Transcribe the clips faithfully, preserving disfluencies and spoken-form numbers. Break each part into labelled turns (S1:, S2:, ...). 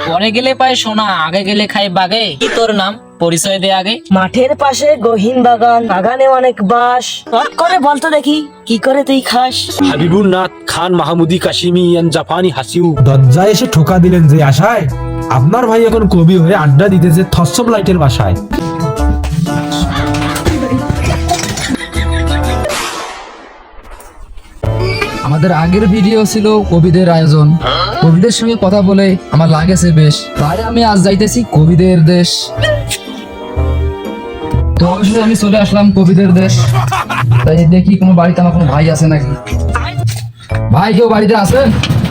S1: পরে গেলে পায় সোনা, আগে গেলে খাই বাগে। কি তোর নাম, পরিচয় দে আগে।
S2: মাঠের পাশে গহীন বাগান, বাগানে অনেক বাস। চট করে বলতো দেখি কি করে তুই খাস?
S3: হাবিবুর নাথ খান মাহমুদি কাশিমি জাপানি হাসিউ।
S4: দরজায় এসে ঠোকা দিলেন যে আশায়, আপনার ভাই এখন কবি হয়ে আড্ডা দিতেছে থসব লাইটের বাসায়।
S5: আমাদের আগের ভিডিও ছিল কবিদের আয়োজন। কবিদের সঙ্গে কথা বলে আমার লাগেছে বেশ, তাই আমি আজ যাইতেছি কবিদের দেশ। তো অবশ্যই আমি চলে আসলাম কবিদের দেশ। তাই দেখি কোনো বাড়িতে আমার কোনো ভাই আছে নাকি। ভাই কেউ বাড়িতে আছেন?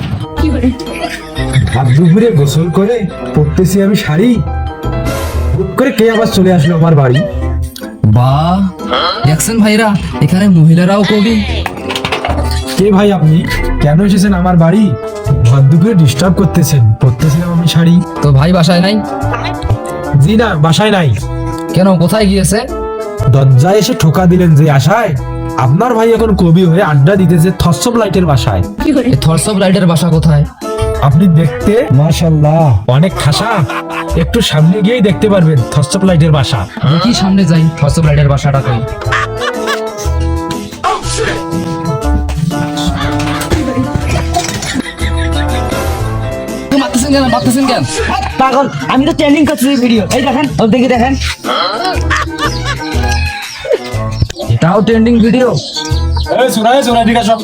S4: হাত দুপুরে গোসল করে পড়তেছি আমি শাড়ি, হুট করে কে আবার চলে আসলো আমার বাড়ি।
S5: বাহ, দেখছেন ভাইরা এখানে মহিলারাও কবি।
S4: কে ভাই আপনি, কেন এসেছেন আমার বাড়ি? হাত দুপুরে ডিস্টার্ব করতেছেন, পড়তেছিলাম আমি শাড়ি।
S5: তো ভাই বাসায় নাই?
S4: জি না, বাসায় নাই।
S5: কেন, কোথায় গিয়েছে?
S4: দরজায় এসে ঠোকা দিলেন যে আশায়, আপনার ভাই এখন কবি হয়ে আড্ডা দিতেছে থসব লাইটের বাসায়।
S5: এই থরসব রাইডের বাসা কোথায়?
S4: আপনি দেখতে মাশাআল্লাহ অনেক খাসা, একটু সামনে গিয়েই দেখতে পারবেন থসব লাইটের বাসা।
S5: দেখি সামনে যাই, থরসব রাইডের বাসাটা কই। মারতেছেন কেন, মারতেছেন কেন?
S2: পাগল, আমি তো ট্রেনিং করছি ভিডিও। এই দেখেন, ও দেখি দেখেন।
S5: এটাও ট্রেন্ডিং ভিডিও।
S4: এই শোনা শোনা ঠিক আছে।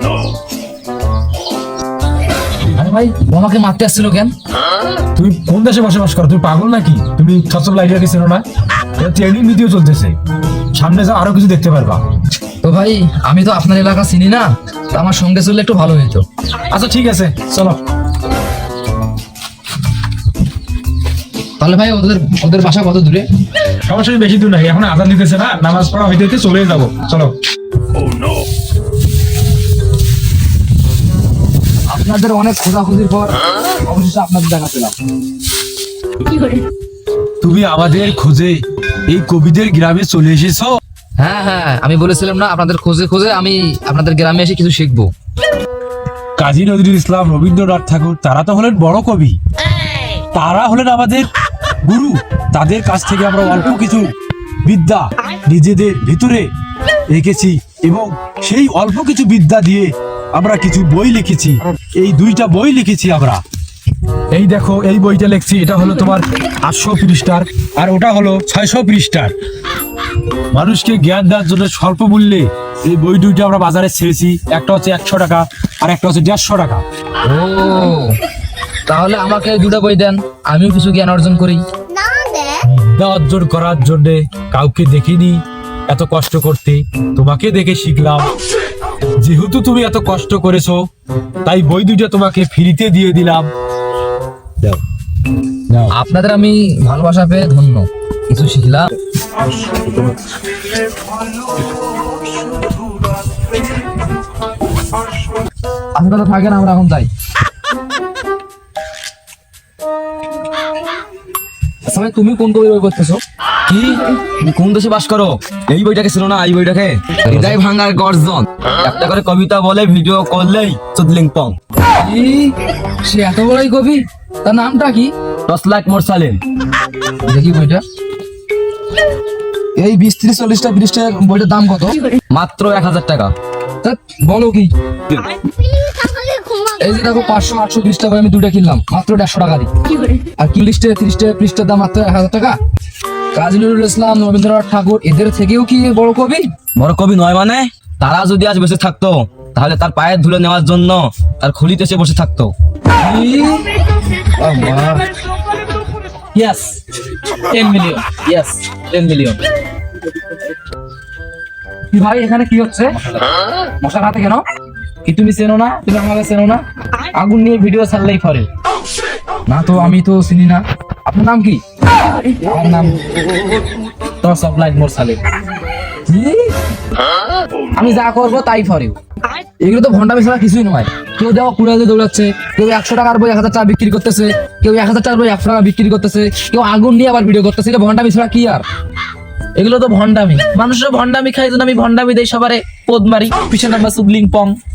S5: আরে ভাই, ও আমাকে মারতে আসছিল কেন?
S4: তুমি কোন দেশে বসবাস করো? তুমি পাগল নাকি? তুমি থসব লাইটের কিছু না, এটা ট্রেনিং ভিডিও চলতেছে, সামনে যাও আরো কিছু দেখতে পারবা।
S5: তো ভাই আমি তো আপনার এলাকা চিনি না, তো আমার সঙ্গে চললে একটু ভালো হইতো।
S4: আচ্ছা ঠিক আছে, চলো।
S5: তাহলে ভাই ওদের ওদের বাসা কত দূরে?
S4: সমস্যা বেশি দূর নাই, এখন আজান দিতেছে না, নামাজ পড়া হইতে হইতে চলে যাবো, চলো।
S5: আপনাদের অনেক খোঁজাখুঁজির পর অবশেষে আপনাদের দেখা পেলাম।
S4: তুমি আমাদের খোঁজে এই কবিদের গ্রামে চলে এসেছো?
S5: হ্যাঁ হ্যাঁ, আমি বলেছিলাম না আপনাদের খোঁজে খোঁজে আমি আপনাদের গ্রামে এসে কিছু শিখবো।
S4: কাজী নজরুল ইসলাম, রবীন্দ্রনাথ ঠাকুর, তারা তো হলেন বড় কবি, তারা হলেন আমাদের গুরু। তাদের কাছ থেকে আমরা অল্প কিছু বিদ্যা নিজেদের ভিতরে রেখেছি এবং সেই অল্প কিছু বিদ্যা দিয়ে আমরা কিছু বই লিখেছি। এই দুইটা বই লিখেছি আমরা। এই দেখো, এই বইটা লিখছি, এটা হলো তোমার আটশো পৃষ্ঠার, আর ওটা হলো ছয়শো পৃষ্ঠার। মানুষকে জ্ঞান দেওয়ার জন্য স্বল্প মূল্যে এই বই দুইটা আমরা বাজারে ছেড়েছি। একটা হচ্ছে একশো টাকা আর একটা হচ্ছে দেড়শো টাকা।
S5: ও, তাহলে আমাকে দুটো বই দেন, আমিও কিছু জ্ঞান অর্জন করি।
S4: বিদ্যা অর্জন করার জন্য কাউকে দেখিনি এত কষ্ট করতে, তোমাকে দেখে শিখলাম। যেহেতু তুমি এত কষ্ট করেছো, তাই বই দুইটা তোমাকে ফ্রিতে দিয়ে দিলাম। দাও, নাও।
S5: আপনাদের আমি ভালোবাসা পেয়ে ধন্য, কিছু শিখলাম। আপনারা থাকেন, আমরা এখন যাই। আচ্ছা ভাই, তুমি কোন কবির বই করতেছো?
S6: কি, তুমি কোন দেশে বাস করো? এই বইটাকে ছিল না, এই বইটাকে হৃদয় ভাঙার গর্জন, একটা করে কবিতা বলে ভিডিও করলেই চুদলিং পং।
S5: কি, সে এত বড়ই কবি? তার নামটা কি?
S6: দশ লাখ মোরসালিন।
S5: দেখি বইটা। এই বিশ ত্রিশ চল্লিশটা পৃষ্ঠার বইটার দাম কত?
S6: মাত্র এক হাজার টাকা।
S5: তা বলো কি? এই যে দেখো, পাঁচশো আটশো পৃষ্ঠা করে আমি দুটো কিনলাম মাত্র দেড়শো টাকা দিই। আর কি লিস্টে ত্রিশটা পৃষ্ঠার দাম মাত্র এক হাজার টাকা। কাজী নজরুল ইসলাম, রবীন্দ্রনাথ ঠাকুর, এদের থেকেও কি বড় কবি?
S6: বড় কবি নয় মানে? তারা যদি আজ বেঁচে থাকতো তাহলে তার পায়ের ধুলো নেওয়ার জন্য তার খুলিতে এসে বসে থাকতো।
S1: Yes, ten million. Yes, ten million.
S5: কি ভাই, এখানে কি হচ্ছে? মশার হাতে কেন?
S1: কি তুমি চেনো না? তুমি আমাকে চেনো না? আগুন নিয়ে ভিডিও ছাড়লেই ফরে
S5: না তো, আমি তো চিনি না। আপনার নাম কি?
S1: আমার নাম টস অফ লাইট মোরসালিন। আমি যা করবো তাই ফরে।
S5: এগুলো তো ভন্ডামি ছাড়া কিছুই নয়। কেউ দেখো কুড়াতে দৌড়াচ্ছে, কেউ একশো টাকার বই এক হাজার টাকা বিক্রি করতেছে, কেউ এক হাজার টাকার বই একশো টাকা বিক্রি করতেছে, কেউ আগুন নিয়ে আবার ভিডিও করতেছে। এটা ভন্ডামি ছাড়া কি আর?
S1: এগুলো তো ভন্ডামি। মানুষের ভন্ডামি খাই, জন্য আমি ভন্ডামি দেই, সবারে পোদ মারি, পিছনে আমরা সুবলিং পং।